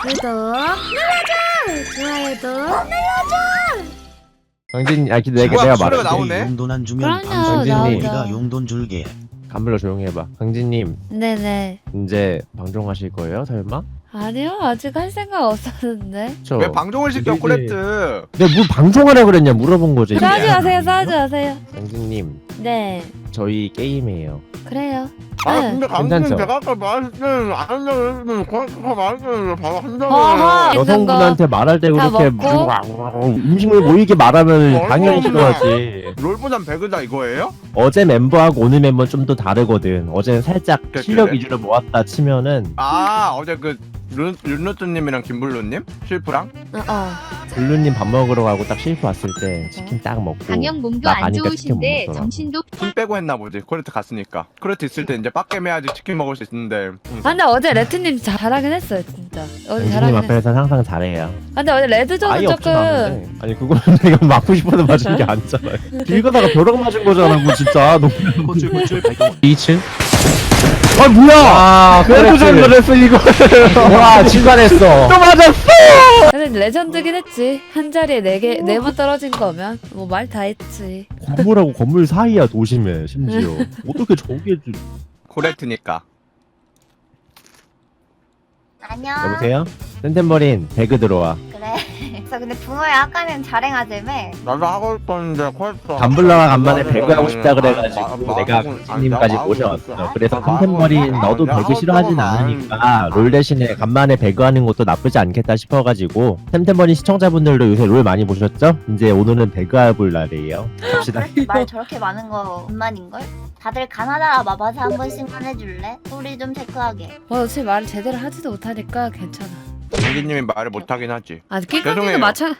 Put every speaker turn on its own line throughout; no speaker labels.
구독 눌러줘. 좋아요도 눌러줘.
강진, 아 근데
뭐야,
내가
소리가
말할게.
나오네?
용돈 안 주면
그럼요,
방송
나오죠.
우리가 용돈 줄게.
간불러 조용히 해봐. 강진님
네네.
이제 방종하실 거예요, 설마?
아니요, 아직 할 생각 없었는데.
저.
왜 방종을 시켜
이제-
코레트?
내가 뭘 방종하라 그랬냐 물어본 거지.
싸우지 마세요, 싸우지 마세요.
강진님,
네,
저희 게임해요.
그래요.
아
네.
근데
괜찮죠?
강진님 제가 아까 말했을 때는 안 한다고 했으면 코레트가 말했는데 바로
어허.
한다고.
여성분한테 말할 때
다
그렇게
먹고?
음식물 모이게 말하면 당연히
얼마나.
싫어하지.
롤보단 배그다 이거예요?
어제 멤버하고 오늘 멤버 좀 더 다르거든. 어제는 살짝
그래?
실력 위주로 모았다 치면은
아 어제 그 윤노트님이랑 김블루님? 실프랑?
블루님 밥 먹으러 가고 딱 실프 왔을 때 치킨 딱 먹고
당연 몸도
나
안
가니까 치킨 못
좋으신데
먹더라고.
정신도
힘 빼고 했나 보지 코레트 갔으니까. 코레트 있을 때 이제 빡겜 해야지 치킨 먹을 수 있는데.
아, 근데 어제 레트님 잘하긴 했어요, 진짜. 어제
강진님
잘하긴 했어.
앞에서 항상 잘해요.
아, 근데 어제 레드존은
아예
조금.
없진 않은데. 아니 그거는 내가 맞고 싶어서 맞은 게 아니잖아요. 길 가다가 벼락 맞은 거잖아 뭐 진짜.
고출 발동.
2층? 아 뭐야! 그래도 잘못했어 이거. 와 진간했어. 또 맞았어.
근데 레전드긴 했지. 한 자리에 4번 떨어진 거면 뭐 말 다 했지.
건물하고 건물 사이야 도심에 심지어. 어떻게 저게
코레트니까.
안녕.
여보세요? 센텐버린 배그 들어와.
그래. 그래서 근데 붕어야 아까는 자랭하자며.
나도 하고 싶었는데 코레트.
간블러가 간만에 배그 하고 싶다 그래가지고 내가 강진님까지 모셔왔어. 그래서 센텐버린 너도 배그 싫어하진 않으니까 롤 대신에 간만에 배그 하는 것도 나쁘지 않겠다 싶어가지고 센텐버린 시청자분들도 요새 롤 많이 보셨죠? 이제 오늘은 배그 해볼 날이에요. 갑시다.
말 저렇게 많은 거 운만인걸? 다들 가나다라 마바사 한 번씩만 해줄래? 소리 좀 체크하게.
어차피 말을 제대로 하지도 못하니까 괜찮아.
강진님이 말을 못하긴 하지.
아,
죄송해요.
낄깍이도 마찬.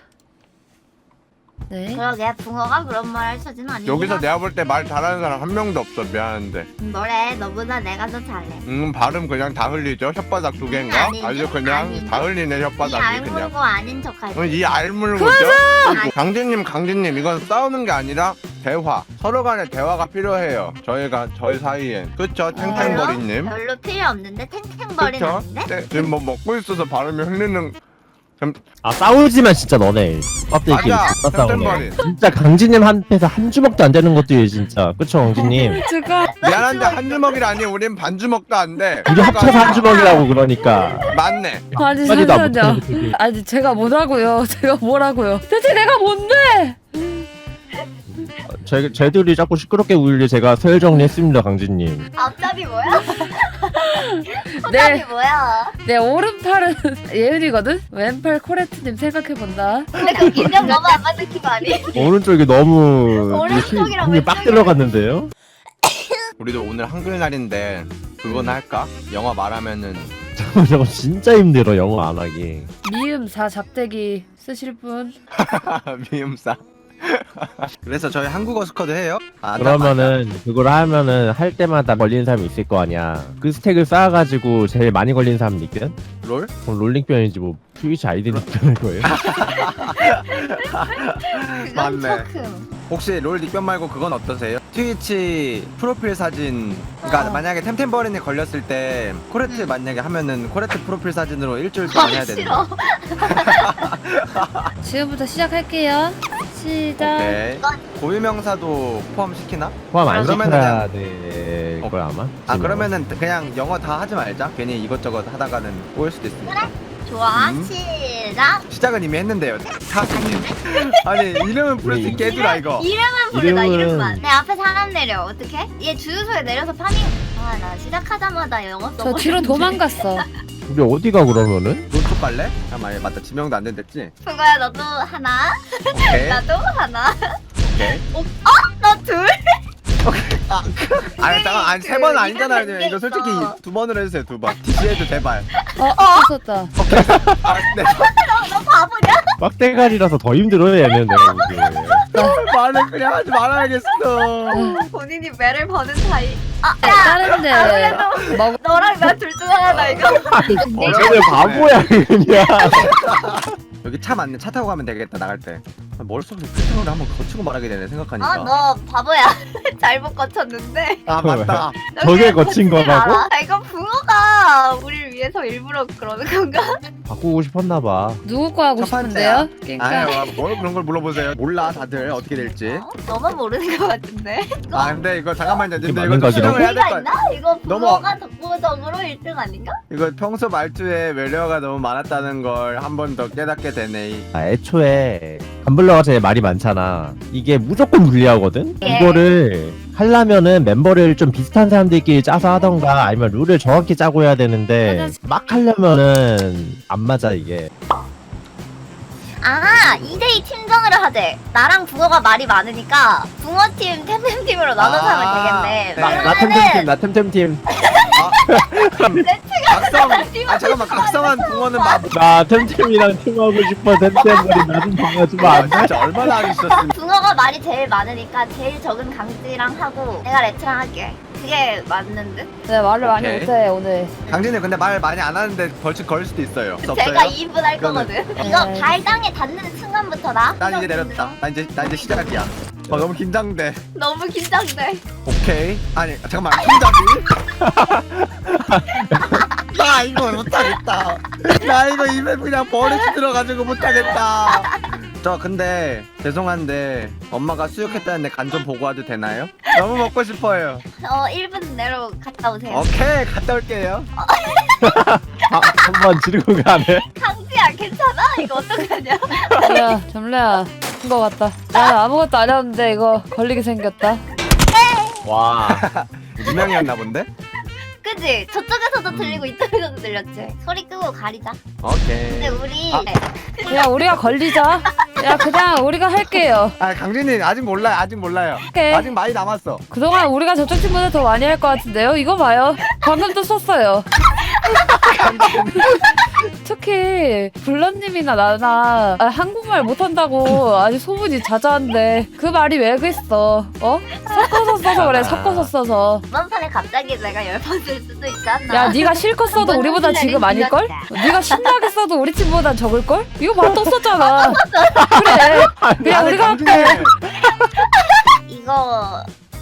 네.
그러게 붕어가 그런 말 할 처지는 아니야.
여기서 내가 볼 때 말 잘하는 사람 한 명도 없어. 미안한데.
뭐래? 너보다 내가 더 잘해.
발음 그냥 다 흘리죠? 혓바닥 두 개인가?
아니죠.
아주 그냥
아니죠.
다 흘리네
이
혓바닥이 그냥.
알물고 아닌 척하지.
이 알물고죠? 강진님 이건 싸우는 게 아니라 대화. 서로 간에 대화가 필요해요. 저희 사이엔. 그쵸? 탱탱버리님.
별로 필요 없는데 탱탱거리는
그쵸?
아닌데?
지금 뭐 먹고 있어서 발음이 흘리는.
아 싸우지만 진짜 너네 껍데기끼리
맞아.
다 싸우네.
탱탱버린.
진짜 강진님 한테서 한 주먹도 안 되는 것들이 진짜. 그쵸 강진님?
제가
미안한데 한 주먹이라니 우린 반 주먹도 안 돼.
우리 합쳐서 한 주먹이라고 그러니까.
맞네.
아니
빨리 나
잠시만요.
못해.
아니 제가 뭐라고요? 제가 뭐라고요? 대체 내가 뭔데?
쟤들이 자꾸 시끄럽게 울리 제가 서열 정리했습니다 강진님.
앞잡이 뭐야? 앞잡이
네,
뭐야?
내 오른팔은 예은이거든. 왼팔 코레트님 생각해 본다.
근데 그 인정 너무 안 맞는 거 아니?
오른쪽이 너무
오른쪽이랑
힘이 빡
왼쪽이랑.
들어갔는데요?
우리도 오늘 한글날인데 그거나 할까? 영화 말하면은
저거 진짜 힘들어 영어 안 하기.
미음 4 잡대기 쓰실 분?
미음사. 그래서 저희 한국어 스쿼드 해요?
그러면은 그걸 하면은 할 때마다 걸리는 사람이 있을 거 아니야. 그 스택을 쌓아가지고 제일 많이 걸리는 사람 이겨?
롤?
그럼 롤링편이지 뭐 트위치 아이디는 할 거예요?
그건
맞네.
조금.
혹시 롤 닉변 말고 그건 어떠세요? 트위치 프로필 사진 그러니까 만약에 템템버린이 걸렸을 때 코레트 만약에 하면은 코레트 프로필 사진으로 일주일 동안 해야 되는
싫어.
거.
지금부터 시작할게요. 시작.
오케이. 고유명사도 포함시키나?
포함 안
그러면은
시켜야 될걸 아마?
아 그러면은 그냥 영어 다 하지 말자. 괜히 이것저것 하다가는 꼬일 수도 있으니까.
좋아.
음.
시작.
시작은 이미 했는데요. 카스님. 아니 이름은 부를 수 있게 해주라 이거.
이름은 부르다
이름은-
이름만. 내 앞에 사람 내려. 어떻게? 얘 주유소에 내려서 파밍. 아 나 시작하자마자 영어 써.
저 뒤로 도망갔어.
우리 어디가 그러면은?
론쪽 갈래? 잠깐만 맞다 지명도 안 된댔지?
그거야 너도 하나.
오케이
나도 하나.
오케이.
너 둘.
아니 잠깐 아니 세 번 아니잖아요. 이거 솔직히
있어.
2번으로 해주세요 2번. DC해줘 제발.
썼다.
아 네.
너 바보냐?
빡대가리라서 더 힘들어 얘는 내가 보기에.
말을 그냥 하지 말아야겠어.
본인이 매를 버는 사이. 아,
다른데
아무래도
먹.
너랑 나 둘 중 하나다 이거.
쟤네 바보야 그냥.
여기 차 맞네. 차 타고 가면 되겠다 나갈 때. 머릿속에 필터를 한번 거치고 말하게 되네 생각하니까.
아 너 바보야. 잘못 거쳤는데.
아 맞다.
저게 거친 거라고?
아, 이거 붕어가 우리를 위해서 일부러 그러는 건가?
바꾸고 싶었나 봐.
누구 거 하고
첫 번째야.
싶은데요? 그러니까
아유 뭘 그런 걸 물어보세요. 몰라 다들 어떻게 될지.
너만 모르는 것 같은데.
아 근데 이거 잠깐만요. 근데
맞는
이거 좀
거긴
수정을 해야 될
의미가
거
있나? 이거
너무-
붕어가 독보적으로 1등 아닌가?
이거 평소 말투에 외래어가 너무 많았다는 걸 한 번 더 깨닫게 되네.
애초에 감블러가 제일 말이 많잖아. 이게 무조건 불리하거든?
예.
이거를 하려면은 멤버를 좀 비슷한 사람들끼리 짜서 하던가 아니면 룰을 정확히 짜고 해야 되는데
맞아.
막 하려면은 안 맞아 이게.
아 2대2 팀전을 하재. 나랑 붕어가 말이 많으니까 붕어팀 템템팀으로 나눠서 하면 되겠네.
나 템템팀 나 템템팀
각성. 아 잠깐만 각성한 붕어는
나 템템이랑 팀하고 싶어. 템템머리 나좀 봐주면 안 돼?
진짜 얼마나 하기 싫었으면.
붕어가 말이 제일 많으니까 제일 적은 강지랑 하고 내가 레트랑 할게. 그게 맞는 듯?
네, 말을 많이
오케이.
못해 오늘.
강진이 근데 말 많이 안 하는데 벌칙 걸릴 수도 있어요.
제가 2분 할 거거든. 이거
네.
발 땅에 닿는 순간부터 나.
난 이제 내렸다. 나 이제 시작이야. 너무 긴장돼.
너무 긴장돼.
오케이. 아니 잠깐만 긴장이. 나 이거 못하겠다. 나 이거 입에 그냥 버릇이 들어가지고 못하겠다. 저 근데 죄송한데 엄마가 수육했다는데 간 좀 보고 와도 되나요? 너무 먹고 싶어요.
1분 내로 갔다 오세요.
오케이 갔다 올게요.
한번 지르고 가네.
강지야 괜찮아? 이거 어떡하냐?
야 점래야 큰거 같다. 나 아무것도 안 했는데 이거 걸리게 생겼다.
와.
유명이었나 본데?
그지? 저쪽에서도 들리고 이쪽에서도 들렸지? 소리 끄고 가리자. 근데
오케이.
우리
그냥 우리가 걸리자. 야 그냥 우리가 할게요.
아 강진이 아직 몰라요. 아직 몰라요.
오케이.
아직 많이 남았어.
그동안 우리가 저쪽 팀보다 더 많이 할 것 같은데요? 이거 봐요. 방금도 썼어요. 특히 블런님이나 나나 한국말 못한다고 아주 소문이 자자한데 그 말이 왜 그랬어? 어? 섞어서 써서 그래. 섞어서 써서.
이번 판에 갑자기 내가 10번 쓸 수도 있지 않나?
야 네가 실컷 써도 우리보다 지금 아닐걸? 네가 신나게 써도 우리 팀보다 적을걸? 이거 봐 또 썼잖아. 그래. 그냥
아니,
우리가
강진이.
할게.
이거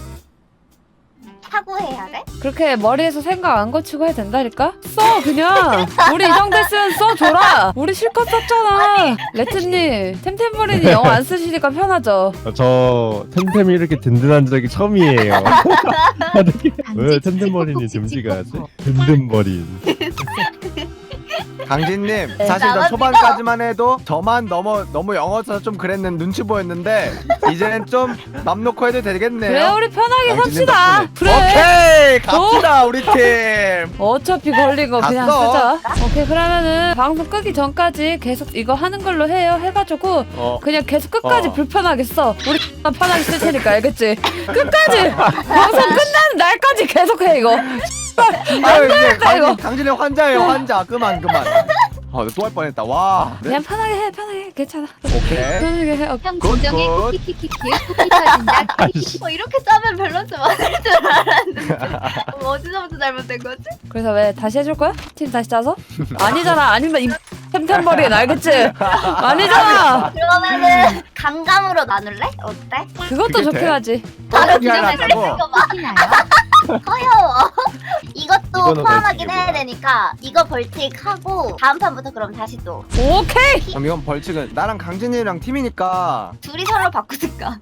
사고해야 돼?
그렇게 머리에서 생각 안 거치고 해야 된다니까? 써 그냥. 우리 이 정도 했으면 써줘라. 우리 실컷 썼잖아. 레트님 템템버린이 영어 안 쓰시니까 편하죠?
저 템템이 이렇게 든든한 적이 처음이에요. 왜 템템머리니 듬지가 하지? 든든머린.
강진님 사실 저
나만
초반까지만 해도 저만 너무 영어 써서 좀 그랬는 눈치 보였는데 이제는 좀 맘 놓고 해도 되겠네요.
그래 우리 편하게
강진님
삽시다.
덕분에.
그래.
오케이 갑시다 우리 팀.
어차피 걸린 거 그냥
갔어.
쓰자. 오케이 그러면은 방송 끄기 전까지 계속 이거 하는 걸로 해요. 해가지고 그냥 계속 끝까지 불편하게 써. 우리 편하게 쓸 테니까 알겠지? 끝까지 방송 끝나는 날까지 계속 해 이거.
아유 이제
이거.
강진이 환자예요 환자. 그만. 또 할 뻔했다. 와. 네?
그냥 편하게 해 편하게 해. 괜찮아.
오케이.
편하게 해.
형
굿,
진정해
굿.
키키키키 쿠키 터진다
이렇게 짜면 밸런스 맞을 줄 알았는데 어디서부터 잘못된 거지?
그래서 왜 다시 해줄 거야? 팀 다시 짜서? 아니잖아. 아니면 이 템템버린 알겠지? 아니잖아.
그러면은 강감으로 나눌래? 어때?
그것도
그게
좋긴
돼?
하지.
바로
어떻게
그냥
하려고?
이거 봐.
쿠키 나요?
허여워. 이것도
이거는
포함하긴
벌칙이구나.
해야 되니까 이거 벌칙 하고 다음 판부터 그럼 다시 또
오케이.
그럼 이건 벌칙은 나랑 강진이랑 팀이니까
둘이 서로 바꾸든가.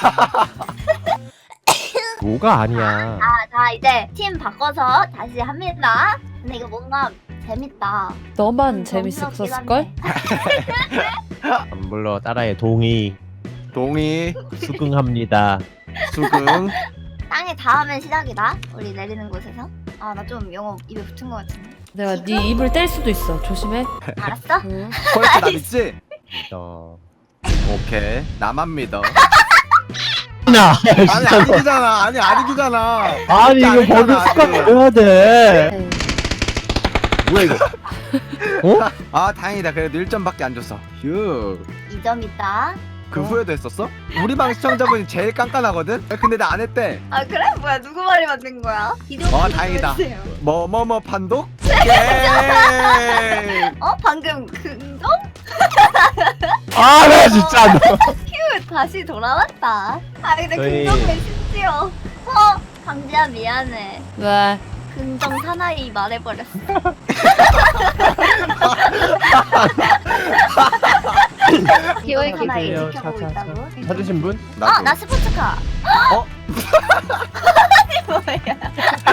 뭐가 아니야.
자 이제 팀 바꿔서 다시 합니다. 근데 이거 뭔가 재밌다.
너만
너무
재밌었을걸?
감블러 따라해 동의
동의
수긍합니다.
수긍.
땅에 닿으면 시작이다. 우리 내리는 곳에서. 아 나 좀 영어 입에 붙은 것 같은데.
내가 네 입을 뗄 수도 있어. 조심해.
알았어?
응.
퀄리티 나 믿지?
어.
오케이 나만 믿어.
나
아니 아니잖아. 아니잖아.
아니 이거
아니잖아,
버그
아직.
습관해야 돼.
에이.
뭐야 이거? 어?
아 다행이다. 그래도 1점밖에 안 줬어. 휴.
2점 있다.
그 후에도 했었어? 우리 방 시청자분이 제일 깐깐하거든? 근데 나 안 했대.
아 그래? 뭐야 누구 말이 맞는 거야?
다행이다. 뭐뭐 판독? 예.
방금 긍정?
아나 진짜 너.
다시 돌아왔다. 아 근데
저희-
긍정을 심지어. 강지야 미안해.
왜?
긍정 사나이 말해버렸어.
개월
사나이
기다려.
지켜보고
차, 차,
있다고?
찾으신 분?
나도.
나 스포츠카.
어?
아니 뭐야?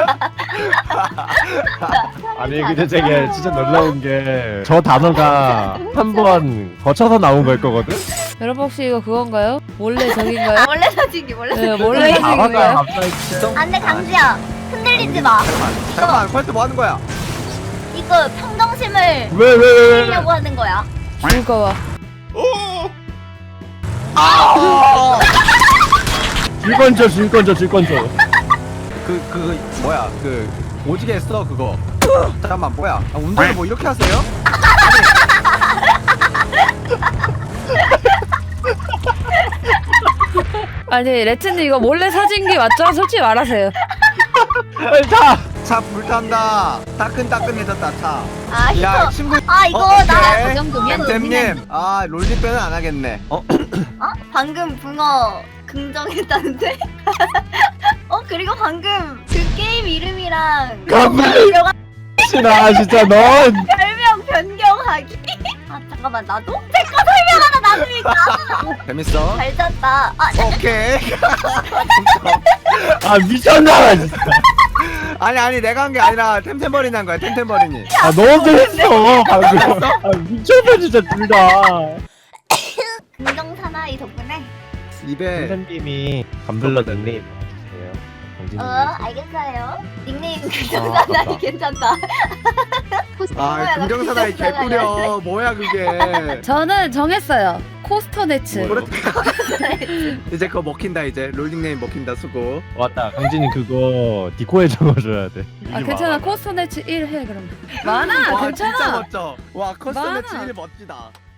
아니 근데 되게 진짜 놀라운 게 저 단어가 한 번 거쳐서 나온 걸 거거든?
여러분 혹시 이거 그건가요? 몰래 저긴가요?
몰래 사진기 몰래
네,
사진기.
몰래
단어가
사진인가요?
갑자기
안돼 강지야 흔들리지 마.
잠깐만 퀄트 뭐 하는 거야?
이거 평정심을
왜?
살리려고 하는 거야.
즐거워.
줄 건져.
그 뭐야 그 오지게 했어 그거. 잠깐만 뭐야? 아, 운전을 뭐 이렇게 하세요?
아니 레트님 이거 몰래 사진기 맞죠? 솔직히 말하세요.
빨리 타!
차 불탄다. 따끈따끈해졌다 차.
아 이거
야 친구.
이거
오케이.
나
그 정도면
템템님. 아 롤리빼는 안 하겠네.
방금 붕어 긍정했다는데? 그리고 방금 그 게임 이름이랑
가만히
별명
나 진짜 넌
변경하기. 아 잠깐만 나도? 제거 설명하다 나도니까.
재밌어?
잘 잤다.
오케이.
아 미쳤나 진짜.
아니 내가 한 게 아니라 템템버린이 한 거야 템템버린이.
아 너무 잘했어 방금. 아 미쳤어 진짜 둘 다.
긍정 사나이 덕분에.
입에
선생님이 감블러 닉네임 주세요. 정진님.
알겠어요. 닉네임 긍정 사나이 괜찮다.
아 긍정사나이 개꿀이야. 뭐야 그게.
저는 정했어요. 코스터네츠.
뭐요?
이제 그거 먹힌다 이제 롤링네임 먹힌다 수고.
맞다. 강진이 그거 디코에 적어줘야 돼.
아 괜찮아. 코스터네츠 1 해 그럼. 많아.
와 진짜
괜찮아.
멋져. 와 커스텀
많아.
매치 1 멋지다.